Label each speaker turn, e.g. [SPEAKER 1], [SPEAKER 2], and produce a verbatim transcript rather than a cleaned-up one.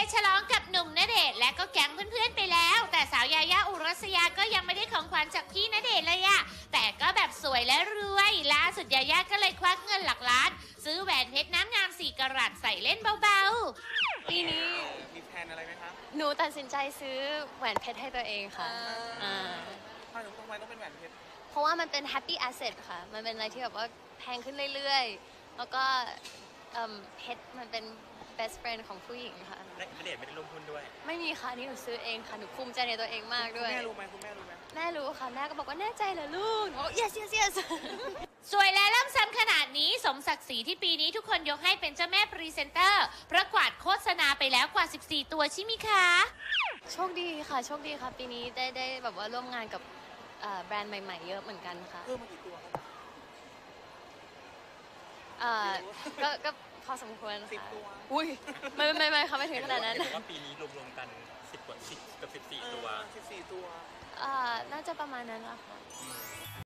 [SPEAKER 1] ฉลองกับหนุ่มณเดชน์และก็แก๊งเพื่อนๆไปแล้วแต่สาวยายาอุรัสยาก็ยังไม่ได้ของขวัญจากพี่ณเดชน์เลยอะแต่ก็แบบสวยและรวยล่าสุดยายาก็เลยควักเงินหลักล้านซื้อแหวนเพชรน้ำงามสี่กะรัตใส่เล่นเบาๆ
[SPEAKER 2] ปีนี้
[SPEAKER 3] มีแพลนอะไรไหมครับ
[SPEAKER 2] หนูตัดสินใจซื้อแหวนเพชรให้ตัวเองค่ะอ่า
[SPEAKER 3] ทำไมทำไมต้องเป็นแหวนเพชร
[SPEAKER 2] เพราะว่ามันเป็น happy asset ค่ะมันเป็นอะไรที่แบบว่าแพงขึ้นเรื่อยๆแล้วก็เพชรมันเป็น best friend ของผู้หญิงค่ะ
[SPEAKER 3] และณเดชน์ไม่ได้ลงทุนด้วย
[SPEAKER 2] ไม่มีค่ะนี่หนูซื้อเองค่ะหนูภูมิใจในตัวเองมากด้วย
[SPEAKER 3] แม่รู้ไหมคุณแม่รู้ไหม
[SPEAKER 2] แม่รู้ค่ะแม่ก็บอกว่าแน่ใจเหรอลูกบอก yes yes yes
[SPEAKER 1] สวยและล่ำซ้ำขนาดนี้สมศักดิ์ศรีที่ปีนี้ทุกคนยกให้เป็นเจ้าแม่พรีเซนเตอร์เพราะกวาดโฆษณาไปแล้วกว่าสิบสี่ตัวใช่ไหมคะ
[SPEAKER 2] โชคดีค่ะโชคดีค่ะปีนี้ได้ได้แบบว่าร่วมงานกับแบรนด์ใหม่ๆเยอะเหมือนกันค่ะ
[SPEAKER 3] เพิ่มมากี่ตัวครับ
[SPEAKER 2] ก็ก็พอสมควร
[SPEAKER 3] สิบตัว
[SPEAKER 2] อุ้ยไม่ไม่ไม่ค่ะไม่ถึงขนาดนั้น
[SPEAKER 3] ว่าปีนี้รวมๆกันสิบกว่าสิบกับสิบสี่ตัวสิบสี่ตัว
[SPEAKER 2] น่าจะประมาณนั้นแหละค่ะ